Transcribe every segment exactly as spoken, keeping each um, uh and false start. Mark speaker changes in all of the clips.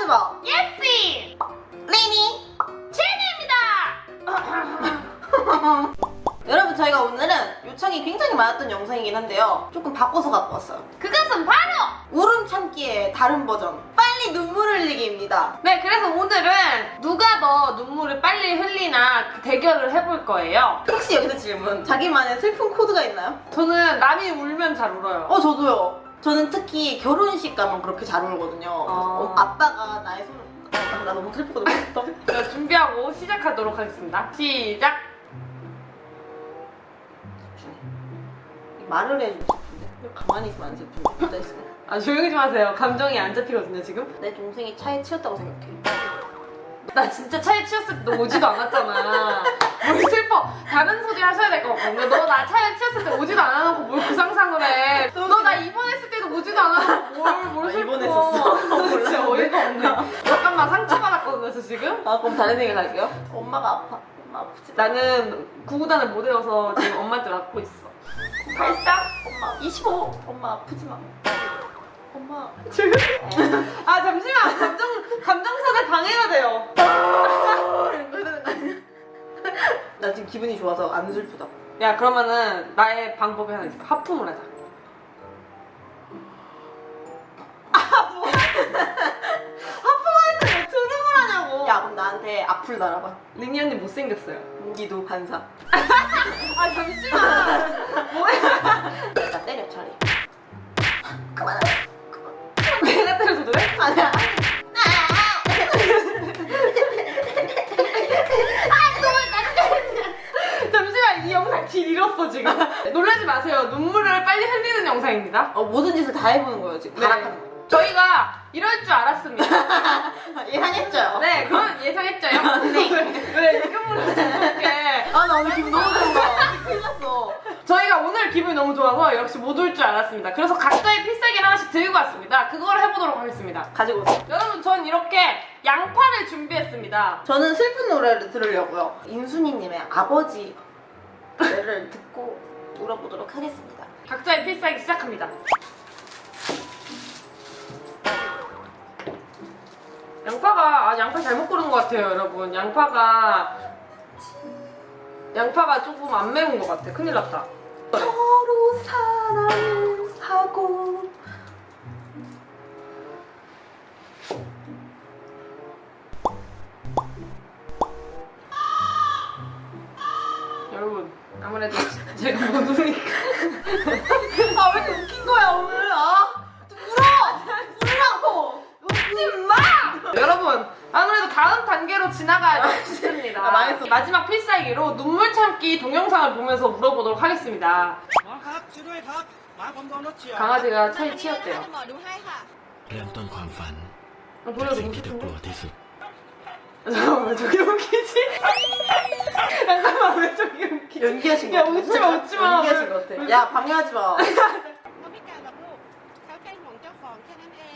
Speaker 1: 방해하지마.
Speaker 2: 예스!
Speaker 1: 리니
Speaker 2: 제니입니다!
Speaker 1: 여러분, 저희가 오늘은 요청이 굉장히 많았던 영상이긴 한데요, 조금 바꿔서 갖고 왔어요.
Speaker 2: 그것은 바로!
Speaker 1: 울음 참기의 다른 버전, 빨리 눈물 흘리기입니다.
Speaker 2: 네, 그래서 오늘은 누가 더 눈물을 빨리 흘리나 그 대결을 해볼 거예요.
Speaker 1: 혹시 여기서 질문, 자기만의 슬픈 코드가 있나요?
Speaker 2: 저는 남이 울면 잘 울어요.
Speaker 1: 어, 저도요. 저는 특히 결혼식 가면 그렇게 잘 울거든요. 어, 아빠가 나의 손을 아, 나 너무 슬프거든.
Speaker 2: 자, 준비하고 시작하도록 하겠습니다. 시작!
Speaker 1: 말을 해주고 싶은데 왜 가만히 있으면 안 슬픈데? 앉아있어.
Speaker 2: 아, 조용히 좀 하세요. 감정이 안 잡히거든요, 지금.
Speaker 1: 내 동생이 차에 치였다고 생각해.
Speaker 2: 나 진짜 차에 치였을 때 오지도 않았잖아. 뭘 슬퍼. 다른 소리 하셔야 될 것 같거든요. 너 나 차에 치였을 때 오지도 않아놓고 뭘 그 상상을 해. 너 나 입원했을 때도 오지도 않아놓고 뭘, 뭘
Speaker 1: 아,
Speaker 2: 슬퍼.
Speaker 1: 입원했었어.
Speaker 2: 진짜 어이가 없네. 잠깐만, 상처받았거든요, 저 지금.
Speaker 1: 아, 그럼 다른 얘기 갈게요. 엄마가 아파. 엄마 아프지?
Speaker 2: 나는 구구단을 못 외워서 지금 엄마한테 맡고 있어.
Speaker 1: 발싹. 엄마 이십오. 엄마 아프지 마. 엄마.
Speaker 2: 아, 잠시만. 감정, 감정선에 방해가 돼요.
Speaker 1: 이거 되는 거 아니야? 나 지금 기분이 좋아서 안 슬프다.
Speaker 2: 야, 그러면은 나의 방법이 하나 있어. 하품을 하자.
Speaker 1: 하품할 때 왜 트름을 하냐고. 야, 그럼 나한테 악플 달아봐.
Speaker 2: 리니 언니 못생겼어요.
Speaker 1: 무기도 반사.
Speaker 2: 아, 잠시만.
Speaker 1: 나 때려, 차라리. 그만.
Speaker 2: 내가 때려줘도 돼?
Speaker 1: 아니야.
Speaker 2: 잠시만, 이 영상 길 잃었어, 지금. 놀라지 마세요. 눈물을 빨리 흘리는 영상입니다.
Speaker 1: 어, 모든 짓을 다 해보는 거예요, 지금.
Speaker 2: 네.
Speaker 1: 발악하는 거.
Speaker 2: 저희가 이럴 줄 알았습니다.
Speaker 1: 예상했죠?
Speaker 2: 네, 그건 예상했죠요?
Speaker 1: 네.
Speaker 2: 왜 이금으로 이렇게.
Speaker 1: 아, 나 오늘 기분 너무 좋은 거야. 어떻게 큰일 났어.
Speaker 2: 저희가 오늘 기분이 너무 좋아서 역시 못 올 줄 알았습니다. 그래서 각자의 필살기를 하나씩 들고 왔습니다. 그걸 해보도록 하겠습니다.
Speaker 1: 가지고 오세요.
Speaker 2: 여러분, 전 이렇게 양파를 준비했습니다.
Speaker 1: 저는 슬픈 노래를 들으려고요. 인순이님의 아버지 노래를 듣고 울어보도록 하겠습니다.
Speaker 2: 각자의 필살기 시작합니다. 양파가, 아, 양파 잘못 고른 것 같아요, 여러분. 양파가, 양파가 조금 안 매운 것 같아. 큰일 났다.
Speaker 1: 서로 사랑을 하고.
Speaker 2: 여러분, 아무래도 제가 못 우니까.
Speaker 1: 아, 왜 이렇게 웃긴 거야, 오늘? 아, 좀 울어! 울라고! 웃지 마!
Speaker 2: 여러분, 아무래도 다음 단계로 지나가야 싶습니다.
Speaker 1: 아, 망했어.
Speaker 2: 마지막 필살기로 눈물 참기 동영상을 보면서 물어보도록 하겠습니다.
Speaker 3: หมอครับช่วยด้วยครับหมาผมโดนรถเฉียว
Speaker 2: 강아지가 차에 치였대요.
Speaker 4: หมอดูให้ค่ะ
Speaker 5: เริ่มต้นความฝัน
Speaker 2: 아,
Speaker 5: จาก
Speaker 2: 보여도
Speaker 5: สิ่งที่เธอกลัว
Speaker 2: 웃기는데?
Speaker 5: ที่สุด
Speaker 2: 잠깐만, 왜 저기 웃기지? 잠깐만, 왜 저기 웃기지?
Speaker 1: 연기하신 거
Speaker 2: 야,
Speaker 1: 같아.
Speaker 2: 웃지 마, 웃지 마.
Speaker 1: 연기하신 거 같아. 야, 방해하지 마.
Speaker 4: เขาพิการแบบลูกเขาเป็นของเจ้าของแค่นั้นเอง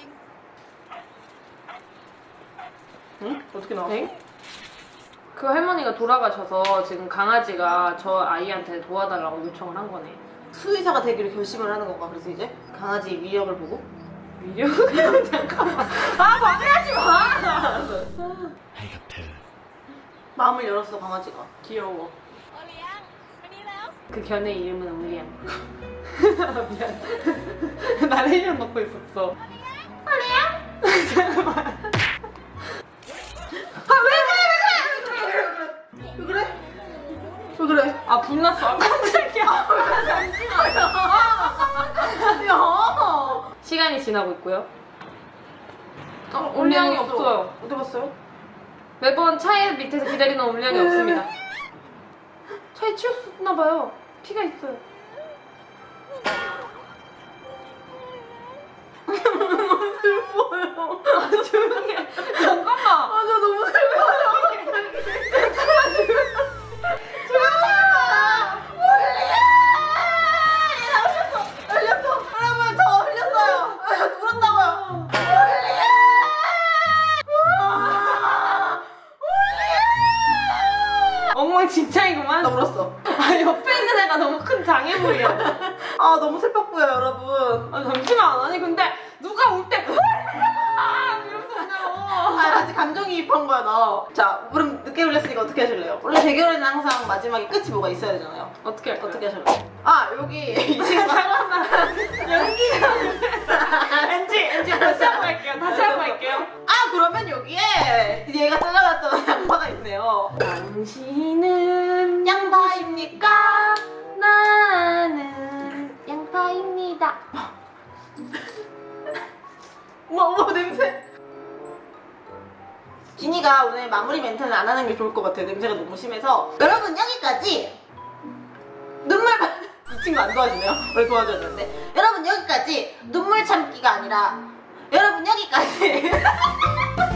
Speaker 1: 응? 어떻게 나왔어?
Speaker 2: 엥? 그 할머니가 돌아가셔서 지금 강아지가 저 아이한테 도와달라고 요청을 한 거네.
Speaker 1: 수의사가 되기로 결심을 하는 건가, 그래서 이제? 강아지 위력을 보고?
Speaker 2: 위력? 잠깐만. 아, 방해하지 마!
Speaker 5: ให้กับเธอ
Speaker 1: 마음을 열었어, 강아지가.
Speaker 2: 귀여워.
Speaker 4: โอเลี้ยงมานี่แล้ว
Speaker 2: 그 견의 이름은 올리안. 아, 미안. 나 레이션 넣고 있었어. 올리안? 잠깐만.
Speaker 1: 왜 그래? 왜 그래?
Speaker 2: 아, 불났어. 아, 깜짝이야.
Speaker 1: 야!
Speaker 2: 시간이 지나고 있고요. 어,
Speaker 1: 어,
Speaker 2: 올리앙이
Speaker 1: 없어.
Speaker 2: 없어요.
Speaker 1: 어디 갔어요?
Speaker 2: 매번 차에 밑에서 기다리는 올리앙이 없습니다. 차에 치였나봐요. 피가 있어요.
Speaker 1: 너무 슬퍼요.
Speaker 2: 아, 조용히 해. 잠깐만.
Speaker 1: 아, 저 너무 슬퍼요.
Speaker 2: 엉망진창이구만.
Speaker 1: 나 울었어.
Speaker 2: 아, 옆에 있는 애가 너무 큰 장애물이야.
Speaker 1: 아, 너무 슬펐고요, 여러분.
Speaker 2: 아, 잠시만. 아니, 근데 누가 울 때, 이러면서 우냐고.
Speaker 1: 같이 감정이입한 거야 나. 자, 그럼 늦게 올렸으니까 어떻게 하실래요? 원래 대결에는 항상 마지막에 끝이 뭐가 있어야 되잖아요.
Speaker 2: 어떻게 할까요?
Speaker 1: 어떻게 하실래요? 아 여기 이 친구가 연기가
Speaker 2: 엔지 엔지 다시 한번 할게요. 다시 한번 할게요.
Speaker 1: 아 그러면 여기에 얘가 잘라놨던 양파가 있네요.
Speaker 2: 당신은
Speaker 1: 양파입니까?
Speaker 2: 나는 양파입니다.
Speaker 1: 어머 어머 냄새. 진이가 오늘 마무리 멘트는 안 하는 게 좋을 것 같아요. 냄새가 너무 심해서. 여러분 여기까지 눈물 바- 이 친구 안 도와주네요. 원래 도와줘야 되는데. 여러분 여기까지 눈물 참기가 아니라 여러분 여기까지